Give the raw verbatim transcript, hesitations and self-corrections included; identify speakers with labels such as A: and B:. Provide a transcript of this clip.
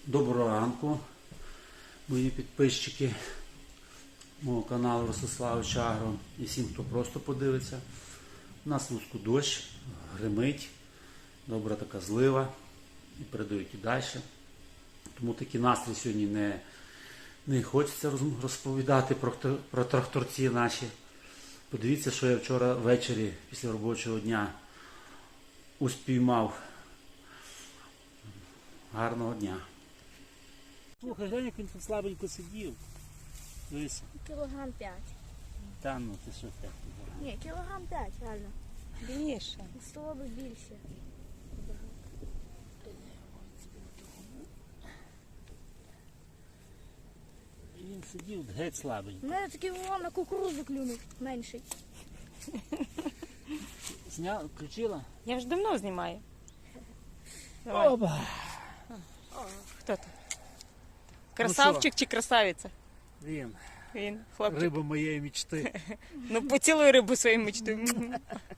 A: Доброго ранку, мої підписчики мого каналу Ростиславич Агро і всім, хто просто подивиться. У нас в Луцьку дощ, гримить, добра така злива і передають і далі. Тому такий настрій сьогодні не, не хочеться розповідати про, про тракторці наші. Подивіться, що я вчора ввечері після робочого дня успіймав. Гарного дня. Слухай, глянь, як він тут слабенько сидів. Дивись.
B: Кілограм п'ять.
A: Та ну, ти що так?
B: Ні, кілограм п'ять, реально.
C: Більше.
B: Стало би більше.
A: І він сидів геть слабенько.
B: У мене такий вон на кукурудзу клюнув, менший.
A: Зняв, включила?
C: Я ж давно знімаю. Давай.
A: Оба!
C: Хто ти? Красавчик чи красавиця?
A: Він.
C: Він, хлопчик.
A: Риба моєї мечти.
C: Ну поцілуй рибу своєю мечтою.